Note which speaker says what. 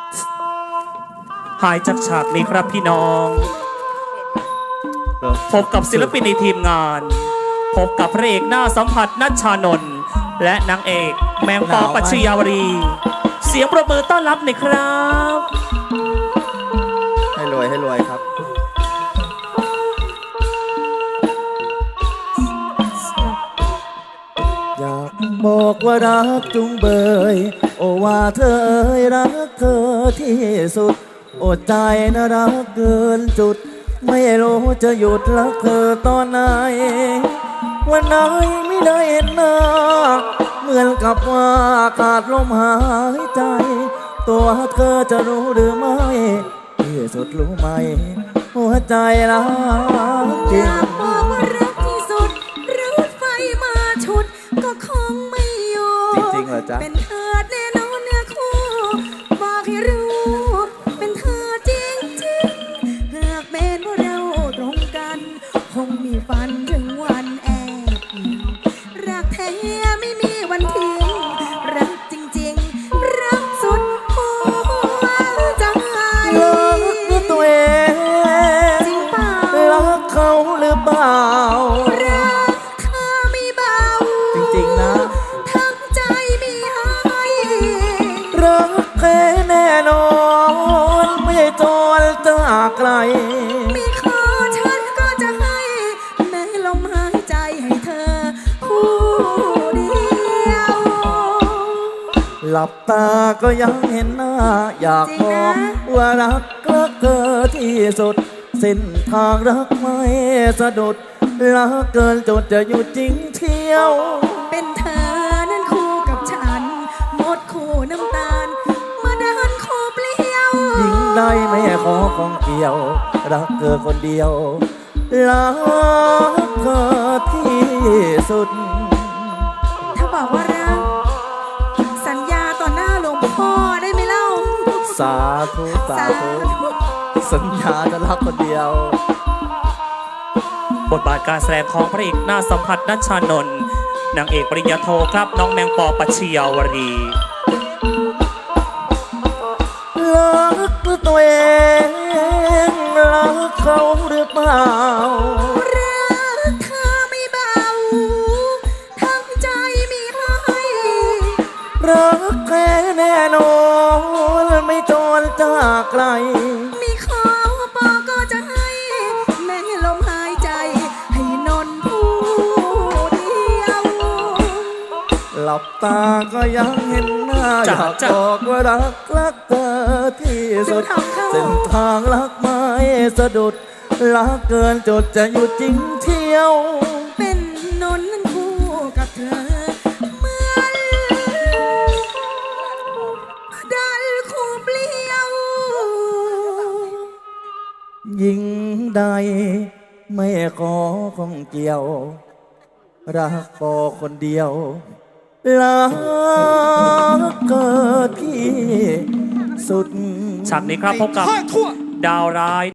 Speaker 1: หายจากฉากนี้ครับพี่น้องพบกับศิลปินในทีมงานพบกับพระเอกหน้าสัมผัสนัชชานนท์และนางเอกแมงปอปัชญาวรีเสียงประมือต้อนรับหน่อยครับ
Speaker 2: ให้รวยครับอยากบอกว่ารักจุงเบยโอว่าเธอเอ่ยรักเธอที่สุดอดใจนะรักเกินจุดไม่รู้จะหยุดรักเธอตอนไหนวันไหนไม่ได้เห็นหน้าเหมือนกับว่าขาดลมหายใจตัวเธอจะรู้หรือไม่ที่สุดรู้ไหมหัวใจรักจริง
Speaker 3: บอกว่ารักที่สุดรถไฟมาชุดก็คงไม่อยู่
Speaker 2: จริงๆเหรอจ๊ะ
Speaker 3: เป็นเธอแน่นอนเนื้อคู่บอกให้รู้เป็นเธอจริงจริงหากเป็นว่าเราตรงกันคงมีฝันถึงวันแอบรักแท้ไม่มีวันทิ้งรักจริงๆรักสุดหัวใจ
Speaker 2: รักตัวเอง
Speaker 3: จริงเปล่า
Speaker 2: รักเขาหรือเปล่า
Speaker 3: รักเธอไม่เบา
Speaker 2: จริงๆนะ
Speaker 3: ทั้งใจมีให้
Speaker 2: รักแค่แน่นอนไม่จนจากไกล
Speaker 3: มีขอฉันก็จะให้แม้ลมหายใจให้เธอผู้เดียว
Speaker 2: หลับตาก็ยังเห็นหน้า อยากบอกว่ารักเธอที่สุดเส้นทางรักไม่สะดุดรักเกินจนจะอยู่จริงเที่ยว
Speaker 3: เป็นเธอนั้นคู่กับฉันหมดคู่น้ำตาลมาเดินคู่เปลี่ยว
Speaker 2: ยิ่งได้ไม่ขอของเกี่ยว รักเธอคนเดียวรักเธอที่สุด
Speaker 3: ถ้าบอกว่ารักสัญญาต่อหน้าหลวงพ่อได้ไหมเล่า
Speaker 2: สาธุสาธุสัญญาจะรักคนเดียว
Speaker 1: บทบาทการแสดงของพระเอกหน้าสัมผัสนัชชานนท์นางเอกปริญญาโทครับน้องแมงปอปัชญาวรี
Speaker 2: รักตัวเองรักเขาหรือเปล่า
Speaker 3: รักเธอไม่เบาทั้งใจมีให้
Speaker 2: รักแค่แน่นอนไม่จนจากไกล
Speaker 3: มีขอปอก็จะให้แม้ลมหายใจให้นนผู้เดียว
Speaker 2: หลับตาก็ยังเห็นหน้าอยากบอกว่ารักเธอที่สุดเส้นทางรักไม่สะดุดรักเกินจดจะอยู่จริงเที่ยว
Speaker 3: เป็นนนนั้นคู่กับเธอเหมือนดันคู่เปลี่ยว
Speaker 2: ยิ่งใดไม่ขอของเกี่ยว รักพอคนเดียวรักเกิดที่สุด
Speaker 1: ฉากนี้ครับพบกับดาวร้าย